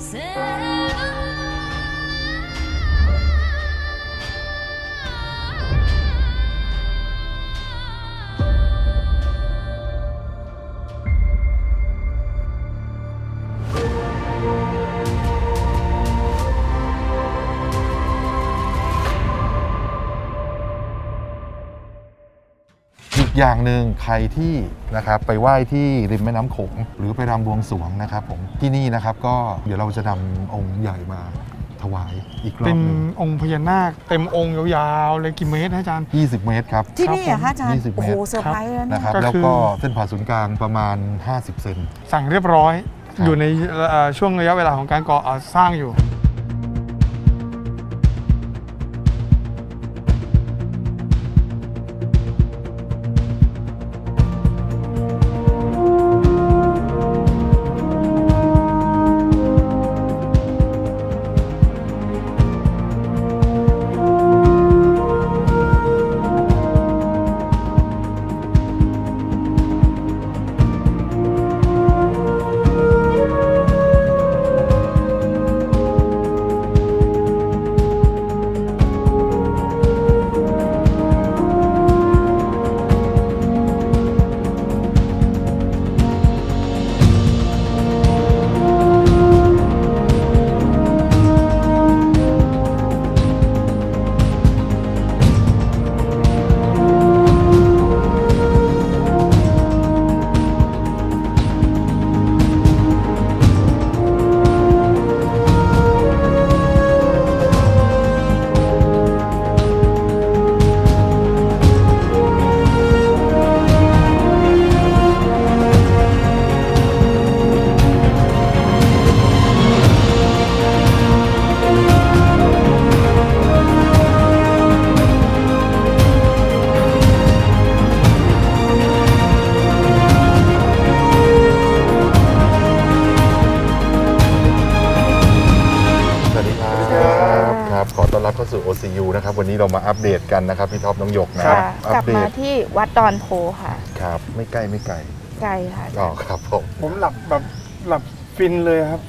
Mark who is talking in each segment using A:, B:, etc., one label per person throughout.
A: อย่างหนึ่งใครที่นะครับไปไหว้ที่ริมแม่น้ำโขงหรือไปรำบวงสรวงนะครับผมที่นี่นะครับก็เดี๋ยวเราจะนำองค์ใหญ่มาถวายอีกรอบนึง
B: เป็นองค์พญานาคเต็มองค์ยาวๆเลยกี่เมตรนะอาจารย์
A: 20 เมตรครับ
C: ที่นี่เหรอคะอาจารย์
A: 20
C: โอ้
A: เม
C: โห
A: ตร
C: เซอร์ไพรส์แล้ว
A: นะครับแล้วก็เส้นผ่าศูนย์กลางประมาณ50 เซน
B: สั่งเรียบร้อยอยู่ในช่วงระยะเวลาของการก่อสร้างอยู่
A: ขอต้อนรับเข้าสู่ OCU นะครับวันนี้เรามาอัปเดตกันนะครับพี่ท็อปน้องหยกนะ
C: กลับมาที่วัดดอนโพค่ะ
A: ครับไม่ใกล้
C: ไกลค่ะ
A: อ๋อครับ
B: ผมหลับฟินเลยครับ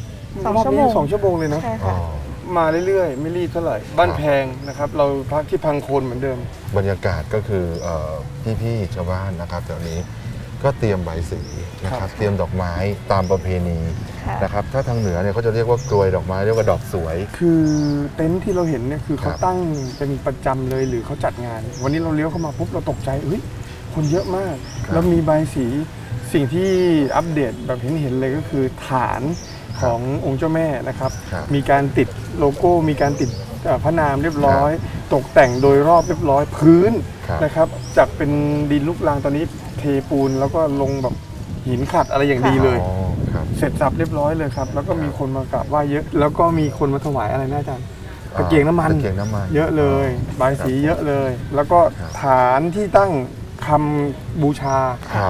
B: 2 ชั่วโมง2 ชั่วโมงเลยเนาะมาเรื่อยๆไม่รีบเท่าไหร่บ้านแพงนะครับเราพักที่พังโคนเหมือนเดิม
A: บรรยากาศก็คือพี่ชาวบ้านนะครับแถวนี้ก็เตรียมใบสีนะครับเตรียมดอกไม้ตามประเพณีนะครับถ้าทางเหนือเนี่ยเขาจะเรียกว่ากลวยดอกไม้เรียกว่าดอกสวย
B: คือเต็นท์ที่เราเห็นเนี่ยคือเขาตั้งเป็นประจำเลยหรือเขาจัดงาน วันนี้เราเลี้ยวเข้ามาปุ๊บเราตกใจคนเยอะมากแล้วมีใบสีสิ่งที่อัปเดตแบบเห็นเลยก็คือฐานขององค์เจ้าแม่นะครับมีการติดโลโก้มีการติดพระนามเรียบร้อยตกแต่งโดยรอบเรียบร้อยพื้นนะครับจากเป็นดินลูกรังตอนนี้เทปูนแล้วก็ลงแบบหินขัดอะไรอย่างดีเลยเสร็จสับเรียบร้อยเลยครับแล้วก็มีคนมากราบไหว้เยอะแล้วก็มีคนมาถวายอะไรนะอาจารย์ตะเกียงน้ำมันเยอะเลยใบสีเยอะเลยแล้วก็ฐานที่ตั้งคำบูชา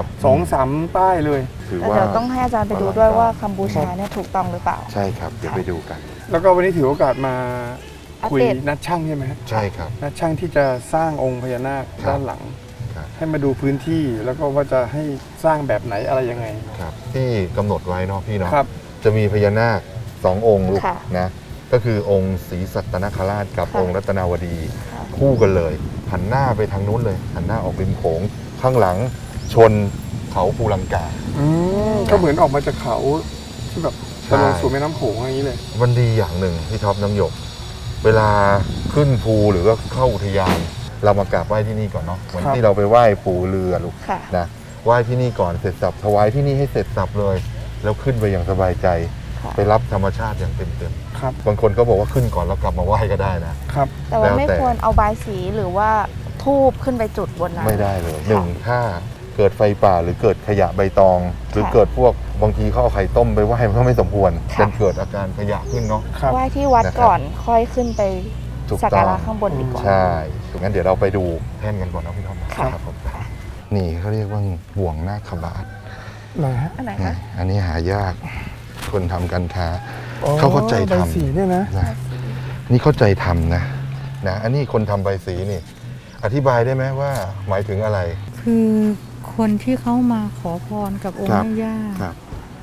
B: 2-3 ป้ายเลย
C: แต่เดี๋ยวต้องให้อาจารย์ไปดูด้วยว่าคำบูชาเนี่ยถูกต้องหรือเปล่า
A: ใช่ครับเดี๋ยวไปดูกัน
B: แล้วก็วันนี้ถือโอกาสมาคุยนัดช่างใช่ไหม
A: ใช่ครับ
B: นัดช่างที่จะสร้างองค์พญานาคด้านหลังให้มาดูพื้นที่แล้วก็ว่าจะให้สร้างแบบไหนอะไรยังไง
A: ครับที่กำหนดไว้เนาะพี่เนาะจะมีพญานาค2 องค์ลูกนะก็คือองค์ศรีสัตนคราชกับองค์รัตนาวดีคู่กันเลยหันหน้าไปทางนู้นเลยหันหน้าออกริมโขงข้างหลังชนเขาภูลังกา
B: ก็เหมือนออกมาจากเขาที่แบบจะลงสู่แม่น้ำโขงอย่างนี้เลย
A: มันดีอย่างหนึ่งพี่ท็อปน้ำหยกเวลาขึ้นภูหรือว่าเข้าอุทยานเรามากราบไหว้ที่นี่ก่อนเนาะเหมือนที่เราไปไหว้ปู่เรือลูกนะไหว้ที่นี่ก่อนเสร็จสับถวายที่นี่ให้เสร็จสับเลยแล้วขึ้นไปอย่างสบายใจไปรับธรรมชาติอย่างเต็มๆบางคนก็บอกว่าขึ้นก่อนแล้วกลับมาไหว้ก็ได้นะครับ
C: แต่ว่าไม่ควรเอาบายสีหรือว่าธูปขึ้นไปจุดบนนั้น
A: ไม่ได้เลย1ถ้าเกิดไฟป่าหรือเกิดขยะใบตองหรือเกิดพวกบางทีเขาเอาไข่ต้มไปไหว้มันก็ไม่สมควรจนเกิดอาการขยะขึ้นเนาะ
C: ไหว้ที่วัดก่อนค่อยขึ้นไปสักการะข้างบนดีกว่า
A: ใช่งั้นเดี๋ยวเราไปดูแท่นกันก่อนนะพี่ท็อปครับผมนี่เขาเรียกว่าบ่วงนาคบาท
B: ไหนฮะ
A: อันนี้หายากคนทำการค้าเขาเข้าใจทำ
B: ใบสีเนี่ยนะ
A: นี่เข้าใจทำนะอันนี้คนทำใบสีนี่อธิบายได้ไหมว่าหมายถึงอะไร
D: คือคนที่เขามาขอพรกับองค์แม่ย่า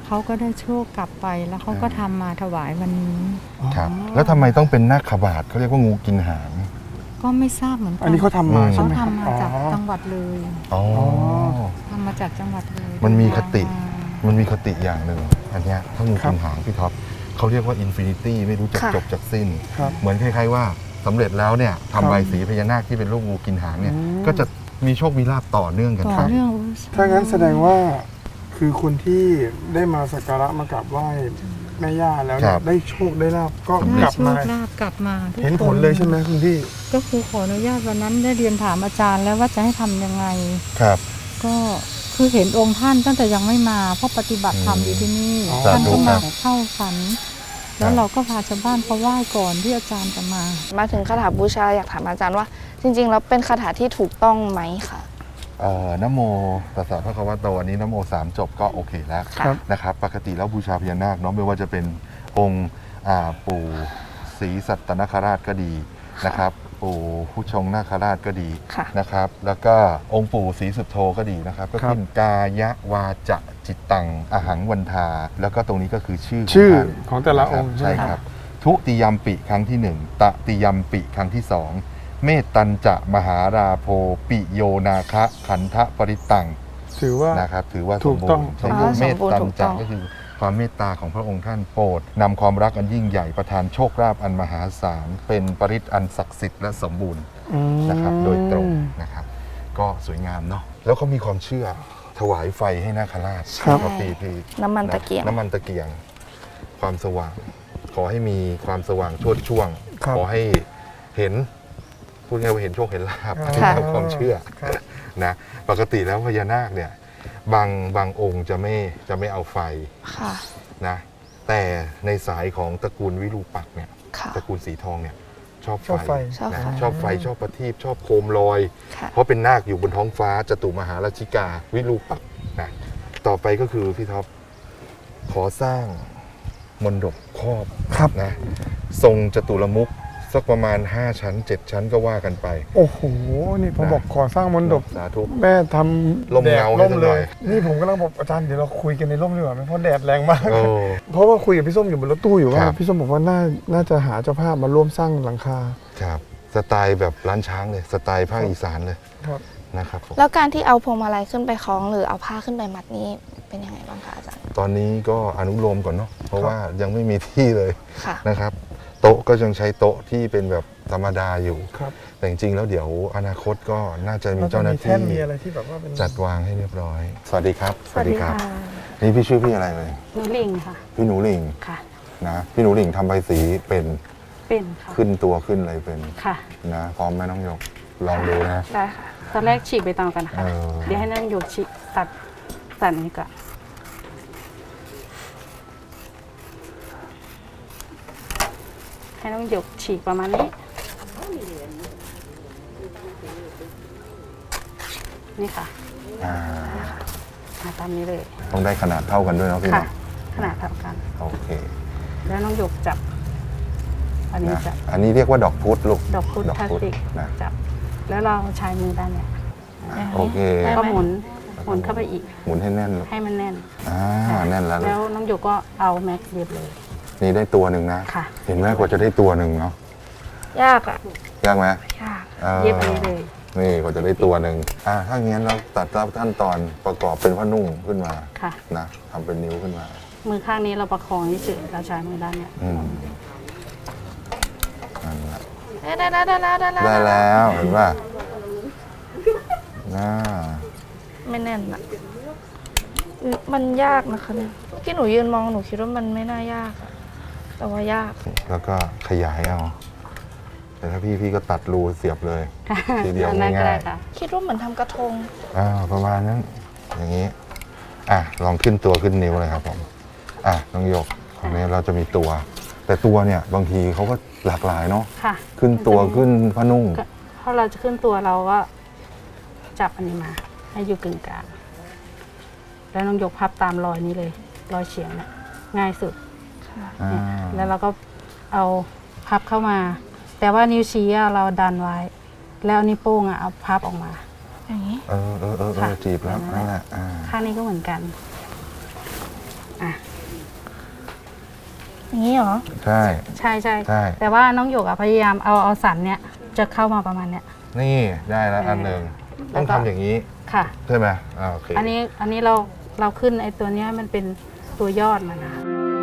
D: เขาก็ได้โชคกลับไปแล้วเขาก็ทำมาถวายวันนี้
A: ครับแล้วทำไมต้องเป็นนาคบาทเขาเรียกว่างูกินหาง
D: ก็ไม่ทราบเหมือนกั
B: อันนี้เขาทำมาใช่
D: เขา
B: ไหมครับ
D: ทำมาจากจังหวัดเลย
A: อ๋อ
D: ทำมาจากจังหวัดเลย
A: มันมีคติ
D: มา
A: มันมีคติอย่างหนึ่งอันเนี้ยถ้างูกินหางพี่ท็อปเขาเรียกว่าอินฟินิตี้ไม่รู้จัก
C: ค่ะ
A: จบจากสิ้น
B: ครับ
A: เหมือนคล้ายๆว่าสำเร็จแล้วเนี่ย
B: ครับ
A: ทำใบสีพญานาคที่เป็นรูปงูกินหางเนี่ย ก็จะมีโชคมีลาภต่อเนื่องกัน
D: ต่อ
A: ครับ
D: เนื่อง
B: ถ้างั้นแสดงว่าคือคนที่ได้มาสักการะมากราบไหว้แม่ย่าแล้วเนี่ยได้โชคได้ลาบก็
D: ได้
B: กลับ
D: โช
B: มา
D: คลาภกลับมาทุก
B: เห็นผล
D: ค
B: เลยใช่ไหมคุณพี่
D: ก็คือขออนุญาตวันนั้นได้เรียนถามอาจารย์แล้วว่าจะให้ทำยังไง
A: ครับ
D: ก็คือเห็นองค์ท่านตั้งแต่ยังไม่มาเพราะปฏิบัติธรรมอยู่ที่นี่
B: อ๋อ
D: ท่านก็มา
A: สาธุครับ
D: เข้าฝัน แล้วเราก็พาชาวบ้านเขาไหว้ก่อนที่อาจารย์จะมา
C: มาถึงคาถาบูชาอยากถามอาจารย์ว่า จริงๆแล้วเป็นคาถาที่ถูกต้องไหมคะ
A: นะโมตัสสะพระคะวะโตอันนี้นะโม3 จบก็โอเคแล้ว
B: ครับ
A: นะครับปกติแล้วบูชาพญานาคเนาะไม่ว่าจะเป็นองค์ปู่ศรีสัตนคราชก็ดีนะครับปู่ผู้ชงนาคราชก็ดี
C: ค่ะ
A: นะครับ แล้วก็องค์ปู่ศรีสุโธก็ดีนะครับ ก็
B: ครับ
A: ขึ้นกายวาจะจิตตังอหังวันทา แล้วก็ตรงนี้ก็คือชื่อ
B: ชื่อ
A: ท่าน
B: ของแต่ละองค์
A: ใช่
B: ไหม
A: ครับ ทุติยมปิครั้งที่1ตติยมปิครั้งที่2เมตตัญจะมหาราโพปิโยนาคะขันธปริตัง
B: ถือว่า
A: นะครับถือว่า
B: ถูกต้อง
A: สมบูรณ์
C: อ๋อ
A: เมตตัญ
C: ถูกต้
A: จะ
C: อง
A: ก็คือความเมตตาของพระองค์ท่านโปรดนำความรักอันยิ่งใหญ่ประทานโชคลาภอันมหาศาลเป็นปริตอันศักดิ์สิทธิ์และสมบูรณ์นะครับโดยตรงนะครับ ก็สวยงามเนาะแล้วเขามีความเชื่อถวายไฟให้นาคราช
B: ครับ
A: ปี
C: น้ำมันตะเกียง
A: น้ำมันตะเกียง ความสว่าง ขอให้มีความสว่างโชติช่วง
B: ครับ
A: ขอให้เห็นพูดง่ายๆว่าเห็นโชคเห็นลาภ
B: ค่ะ
A: ตามความเชื่อ
B: ครับ
A: นะปกติแล้วพญานาคเนี่ยบางองค์จะไม่เอาไฟ
C: ค่ะ
A: นะแต่ในสายของตระกูลวิรูปักษ์เนี่ย
C: ค่ะ
A: ตระกูลสีทองเนี่ยชอบ
B: ชอบไฟ
C: ชอบ
A: นะ
C: ไฟ
A: ชอบไฟชอบประทีปชอบโคมลอย
C: ค่ะ
A: เพราะเป็นนาคอยู่บนท้องฟ้าจตุมหาราชิกาวิรูปักษ์นะต่อไปก็คือพี่ท็อปขอสร้างมณฑปครอบ
B: ครับ
A: นะทรงจตุรมุขสักประมาณ 5 ชั้น 7 ชั้นก็ว่ากันไป
B: โอ้โห นี่ผมบอกขอสร้างมณฑป
A: สาธุ
B: แม่ทำ
A: ลม
B: แดด
A: เงาให้
B: ร่ม
A: สักห
B: เล
A: น่อย
B: ย นี่ผมกำลังบอกอาจารย์เดี๋ยวเราคุยกันในร่มดีกว่าไหมเพราะแดดแรงมาก
A: โอ้
B: เพราะว่าคุยกับพี่ส้มอยู่บนรถตู้อยู่ว่า
A: ครับ
B: พี่ส้มบอกว่าน่าจะหาเจ้าภาพมาร่วมสร้างหลังคา
A: ครับสไตล์แบบร้านช้างเลยสไตล์ภาคอีสานเลย
B: ครับ
A: นะครับผม
C: แล้วการที่เอาพวงมาลัยขึ้นไปคล้องหรือเอาผ้าขึ้นไปมัดนี้เป็นยังไงบ้างคะอาจารย์
A: ตอนนี้ก็อนุโลมก่อนเนาะเพราะว่ายังไม่มีที่เลย
C: ค่ะ
A: นะครับ โต๊ะก็ยังใช้โต๊ะที่เป็นแบบธรรมดาอยู่
B: ครับ
A: แต่จริงๆแล้วเดี๋ยวอนาคตก็น่าจะมีเจ้าหน้า
B: แท่
A: ที่
B: นมีอะไรที่แบบว่าเป็น
A: จัดวางให้เรียบร้อย สวัสดีครับ
E: สวัสดีค่ะ
A: นี่พี่ชื่อพี่อะไรเลย
E: หนูลิงค่ะ
A: พี่หนูหลิง
E: ค่ะ
A: นะพี่หนูหลิงทำใบสีเป็น
E: เป็นค่ะ
A: ขึ้นตัวขึ้นอะไรเป็น
E: ค่ะ
A: นะพร้อมไหมน้องหยกลองดูนะ
C: ได้ค่ะ
E: ตอนแรกฉีกใบตองกันค่ะ
A: เออ
E: เดี๋ยวให้นั่งหยกฉีกตัดสันนี้ก่อนให้น้องหยกฉีกประมาณนี้ นี่ค่ะ
A: อ่า
E: มาตามนี้เลย
A: ต้องได้ขนาดเท่ากันด้วยเนาะพี่
E: ค่ะ
A: เนาะ
E: ขนาดเท่ากัน
A: โอเค
E: แล้วน้องหยกจับ อันนี้
A: นะ
E: จับ
A: อันนี้เรียกว่าดอกพุธลูก
E: ดอกพุธพลาสติก
A: นะ
E: จับ แล้วเราใช้มือด้านเนี้ย
A: โอเค
C: ได้
E: ก็
C: ไหม
E: หมุนเข้าไปอีก
A: หมุนให้แน่นลูก
E: ให้มันแน่น
A: แน่นแล้วลู
E: แล้
A: ก
E: วน้องหยกก็เอาแม็กซ์เย็บเลย
A: นี่ได้ตัวหนึ่งนะ
E: ค่ะ
A: เห็นไหมกว่าจะได้ตัวหนึ่งเนาะ
C: ยากอ่ะ
A: ยากไหม
C: ยาก
E: เย็บอันนี้เลย
A: นี่กว่าจะได้ตัวหนึ่งถ้างั้นเราตัดรับขั้นตอนประกอบเป็นผ้านุ่งขึ้นมา
E: ค่ะ
A: นะทำเป็นนิ้วขึ้นมา
E: มือข้างนี้เราประคองเฉยๆเราใช้มือด้านเนี้ย
A: อืมนั่นแหละ
C: ได้
A: ได้แล้วเห็นป่ะน่า
C: ไม่แน่นอ่ะมันยากนะคะเนี่ยเมื่อกี้หนูยืนมองหนูคิดว่ามันไม่น่ายากอะแต่ว่ายาก
A: แล้วก็ขยายเอาแต่ถ้าพี่ก็ตัดรูเสียบเลย ทีเดียว
E: อันนั้นก็
A: ง่า
E: ได้
A: ย
E: ค่ะ
C: คิดว่าเหมือนทำกระทง
A: ๆประมาณนั้นอย่างนี้ลองขึ้นตัวขึ้นนิ้วเลยครับผมน้องหยกตรงนี้เราจะมีตัว แต่ตัวเนี่ยบางทีเขาก็หลากหลายเนาะ
E: ค่ะ
A: ขึ้นตัวขึ้นผ้านุ่ง
E: ก็พอเราจะขึ้นตัวเราก็จับอันนี้มา ให้อยู่กึ่งกลาง แล้วน้องหยกพับตามรอยนี้เลย รอยเฉียงเนี่ยง่ายสุด เนี่ยแล้วเราก็เอาพับเข้ามา แต่ว่านิ้วชี้อะเราดันไว้ แล้วนิ้วโป้งอะเอาพับออกมา
C: อย่างนี้
A: จีบแล้วนั่นแหละ
E: ข้างนี้ก็เหมือนกัน อ่ะ
C: อย่างนี้เหรอ
A: ใช่
E: ใช่ใช่
A: ใช่
E: แต่ว่าน้องหยกอะพยายามเอาสันเนี่ยจะเข้ามาประมาณเนี้ย
A: นี่ได้แล้วอันหนึ่ง
E: แล้
A: ต้อ
E: ว
A: ง
E: ก็
A: ทำอย่างนี้
E: ค่ะ
A: ใช่ไหมโอเค
E: อันนี้เราขึ้นไอ้ตัวเนี้ยมันเป็นตัวยอดมันนะคะ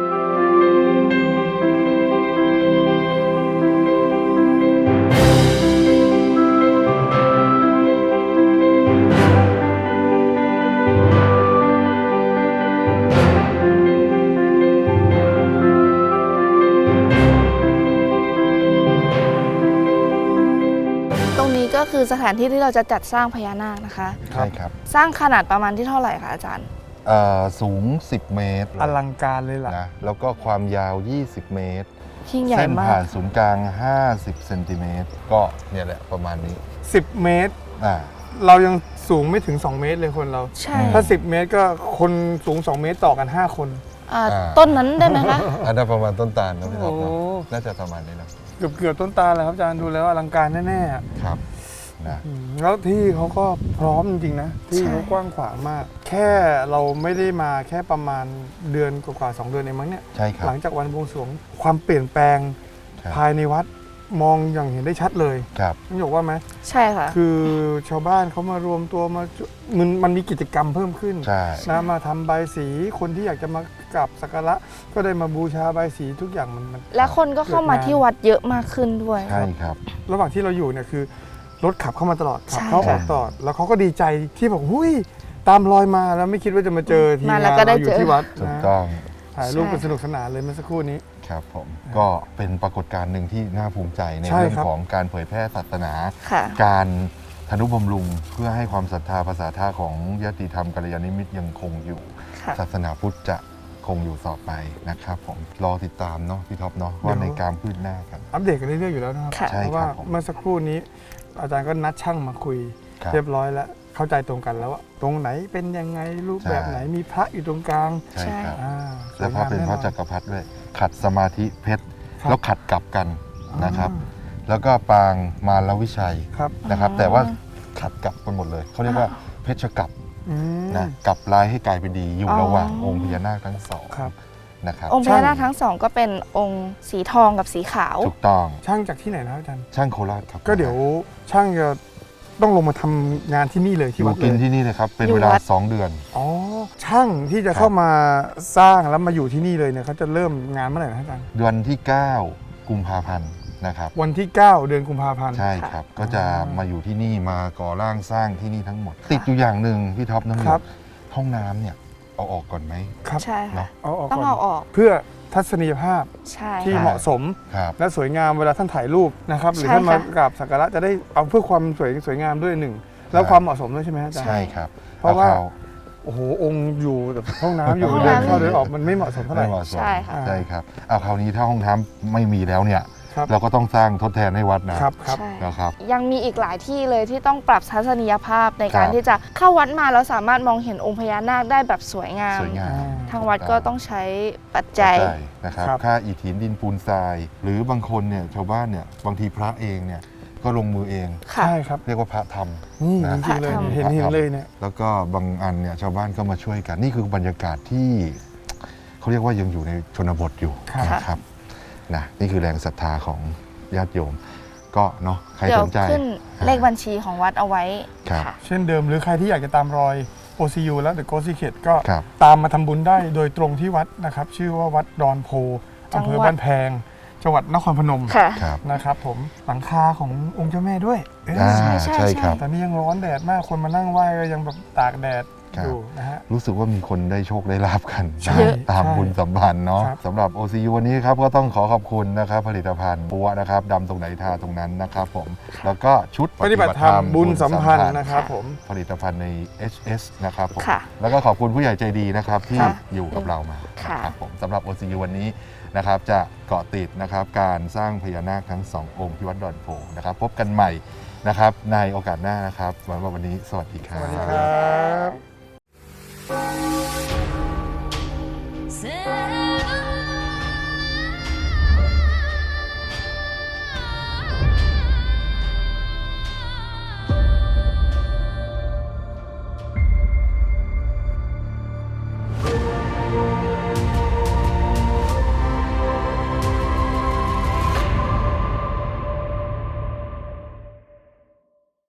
C: ตรงนี้ก็คือสถานที่ที่เราจะจัดสร้างพญานาคนะคะ
A: ใช่ครับ
C: สร้างขนาดประมาณที่เท่าไหร่คะอาจารย์
A: สูง 10 เมตร
B: อลังการเลยล่ะ
A: นะแล้วก็ความยาว 20 เมตร
C: ยิ่งใหญ่
A: เส้น
C: มา
A: ผ่าก นศูนย์กลาง 50 เซนติเมตร ก็เนี่ยแหละประมาณนี้
B: 10 เมตร
A: อ่า
B: เรายังสูงไม่ถึง 2 เมตรเลยคนเรา
C: ใช่
B: ถ้า 10 เมตรก็คนสูง 2 เมตรต่อกัน 5 คน
C: ต้นนั้นได้ไหมคะ
A: อันนั้นประมาณต้นตาลนะพี่ท็อปเนอะ
B: โอ้
A: น่าจะประมาณนี้นะ
B: เกือบต้นตาเลยครับอาจารย์ดูแล้วอลังการแน่ๆอะ
A: ครับนะ
B: แล้วที่เขาก็พร้อมจริงๆนะที่
C: ใช่
B: เขากว้างขวางมาก แค่เราไม่ได้มาแค่ประมาณเดือนกว่าๆ2 เดือนเองมั้งเนี่ย
A: ใช่ครับ
B: หลังจากวันบวงสรวงความเปลี่ยนแปลง
A: ครับ
B: ภายในวัดมองอย่างเห็นได้ชัดเลย
A: ครับ
B: ต้องบอกว่าไหม
C: ใช่ค่ะ
B: คือชาวบ้านเขามารวมตัวมามันมีกิจกรรมเพิ่มขึ้น
A: ใช่
B: นะมาทำใบายสีคนที่อยากจะมากราบสักการะก็ได้มาบูชาใบายสีทุกอย่างมัน
C: และคนก็เข้ามาที่วัดเยอะมากขึ้นด้วย
A: ใช่ครับ
B: ระหว่างที่เราอยู่เนี่ยคือรถขับเข้ามาตลอดขับ
C: ใช่
B: เข้าออกตลอดแล้วเขาก็ดีใจที่บอกหุ้ยตามรอยมาแล้วไม่คิดว่าจะมาเจอทีม
C: มาแล้ว
B: งาน
C: ก็ได้
B: เราอยู่
C: เจอ
B: ที่วัด
A: ถูก
B: นะ
A: ต้อง
B: ถ่ายรูปกัน
C: ใช่
B: สนุกสนานเลยเมื่อสักครู่นี้
A: ครับผมก็เป็นปรากฏการณ์หนึ่งที่น่าภูมิใจใน
B: ใช่
A: เรื่อง
B: ครับ
A: ของการเผยแพร่ศาสนา
C: ค่ะ
A: การทนุบำรุงเพื่อให้ความศรัทธาภาษาท่าของญาติธรรมกัลยาณมิตรยังคงอยู่
C: ค่ะ
A: ศาสนาพุทธจะคงอยู่ต่อไปนะครับผมรอติดตามเนาะพี่ท็อปเนาะว่าในการพืชหน้ากัน
B: อัปเดตกันเรื่อยๆอยู่แล้วนะครับ
C: ค่ะ
A: ใช่
B: เพราะ
A: ครั
B: ว่า
A: บผม
B: เมื่อสักครู่นี้ อาจารย์ก็นัดช่างมาคุย
A: ครับ
B: เรียบร้อยแล้วเข้าใจตรงกันแล้วว่าตรงไหนเป็นยังไงรูปแบบ
A: ใช่
B: ไหนมีพระอยู่ตรงกลาง
A: ใช่ครับ
B: อ่า
A: และพระเป็นพระ
B: สวยงามแน่นอน
A: จักรพรรดิด้วย ขัดสมาธิเพชร
B: ครับ
A: แล้วขัดกลับกันนะครับ แล้วก็ปางมารวิชัย
B: ครับ
A: นะครับ แต่ว่าขัดกลับกันหมดเลยเขาเรียกว่าเพชรกลับ
B: อืม
A: นะกลับร้ายให้กลายเป็นดีอยู่
C: อ๋อ
A: ระหว่างองค์พญานาคทั้งสอง
B: ครับ
A: นะครับ
C: องค์พญานาคทั้งสองก็เป็นองค์สีทองกับสีขาว
A: ถูกต้อง
B: ช่างจากที่ไหนนะครับอาจารย์
A: ช่างโคราชครับ
B: ก็เดี๋ยวช่างจะต้องลงมาทำงานที่นี่เลย
A: อ
B: ที่
A: ยู่
B: วัดเล
A: กิน
B: ย
A: ที่นี่เลยครับ เป็น
C: อยู่
A: เวลา
C: วัด
A: 2 เดือน
B: อ๋อช่างที่จะเข้ามาสร้างแล้วมาอยู่ที่นี่เลยเนี่ยเขาจะเริ่มงานเมื่อไหร่นะอาจารย์
A: เดือนที่ 9 กุมภาพันธ์นะครับ
B: วันที่ 9 เดือนกุมภาพันธ์
A: ใช่ครับ ก็จะมาอยู่ที่นี่มาก่อร่างสร้างที่นี่ทั้งหมด ติดอยู่อย่างหนึ่งพี่ท็อปน้ำหย
B: ครั
A: ก
B: บ
A: ห้องน้ำเนี่ยเอาออกก่อนไหม
B: ครับ
C: ใช่ค่ะ
A: เนาะ
B: เอาออก
C: ต้อง
B: ก่อน
C: เอาออก
B: เพื่อทัศนียภาพ
C: ใช่
B: ที่
C: ค่ะ
B: เหมาะสม
A: ครับ
B: และสวยงามเวลาท่านถ่ายรูปนะครับหรือ
C: ใช่
B: ท่านมา
C: ค่ะ
B: กราบสักการะจะได้เอาเพื่อความสวยงามด้วยหนึ่งแล้วความเหมาะสมด้วยใช่ไหมอาจารย์
A: ใช่ครับ
B: เพราะว่า
A: อข้
B: โอ้โหองค์อยู่แต่ห้องน้ำอยู่
C: ห้อง
B: เดิน
C: น้ำ
B: เข้าเดินออกมันไม่เหมาะสมเท่าไหร่
A: ไม่เหมาะสม
C: ใช่ค่ะ
A: ใช่ครับเอาคราวนี้ถ้าห้องน้ำไม่มีแล้วเนี่ย
B: ครับ
A: เราก็ต้องสร้างทดแทนให้วัดนะครับ
B: ครับ
C: ใช่
A: นะครับ
C: ยังมีอีกหลายที่เลยที่ต้องปรับทัศนียภาพในการ
A: ครับ
C: ที่จะเข้าวัดมาแล้วสามารถมองเห็นองค์พญานาคได้แบบสวยงาม
A: สวยงาม
C: ทางวัดก็ต้องใช้ปัจจัย
A: ใช่นะครับ
B: ครับ
A: ค่าอิฐหินดินปูนทราย หรือบางคนเนี่ยชาวบ้านเนี่ยบางทีพระเองเนี่ยก็ลงมือเอง
C: ค่ะ
B: ใช่ครับ
A: เรียกว่าพระท
B: นี่
A: นะ
B: จริงๆเลย
C: พระธรรม
B: เห็นเลยเนี่ย
A: ำแล้วก็บางอันเนี่ยชาวบ้านก็มาช่วยกัน นี่คือบรรยากาศที่เขาเรียกว่ายังอยู่ในชนบทอยู่
B: ครับ
A: นะครับนะนี่คือแรงศรัทธาของญาติโยม ก็เนาะใคร
C: เดี๋ย
A: ส
C: วน
A: ใจ
C: ขึ้นเลขบัญชีของวัดเอาไว้
A: ครับ
C: ค่ะ
B: เช่นเดิมหรือใครที่อยากจะตามรอย OCU และ The Ghost Secret ก็
A: ครับ
B: ตามมาทำบุญได้โดยตรงที่วัดนะครับชื่อว่าวัดดอนโพ
C: จัง
B: อำ
C: หวัด
B: เภอบ้านแพงจังหวัดนครพนม
C: ค่ะ
A: ครับ
B: นะครับผมหลังคาขององค์เจ้าแม่ด้วยเอ๊ะ
A: อ่า
C: ใช่ใช่
A: ใช่
C: ใช่
A: ครับ
B: ตอนนี้ยังร้อนแดดมากคนมานั่งไหว้ก็ยังแบบตากแดด
A: ครับ
B: อยู่นะฮะ
A: รู้สึกว่ามีคนได้โชคได้ลาบกัน
B: ใช่
A: นะตาม
B: ใช่
A: บุญสัมพันธ์เนาะ
B: ครับ
A: สำหรับ OCU วันนี้ครับก็ต้องขอขอบคุณนะครับผลิตภัณฑ์ปัวนะครับดำตรงไหนทาตรงนั้นนะครับผมแล้วก็ชุด
B: ปฏิบัติธรรมบุญสัมพันธ์นะครับผม
A: ผลิตภัณฑ์ใน HS นะครับผม
C: ค่ะ
A: แล้วก็ขอบคุณผู้ใหญ่ใจดีนะครับที่
C: ค่ะ
A: อยู่กับเรามา
C: ค่ะ
A: นะครับผมสำหรับ OCU วันนี้นะครับจะเกาะติดนะครับการสร้างพญานาคทั้งสององค์ที่วัดดอนโพนะครับพบกันใหม่นะครับในโอกาสหน้านะครับวันนี้สวัสดีครั
B: ส
A: บ
B: วัสดีครับ
F: Say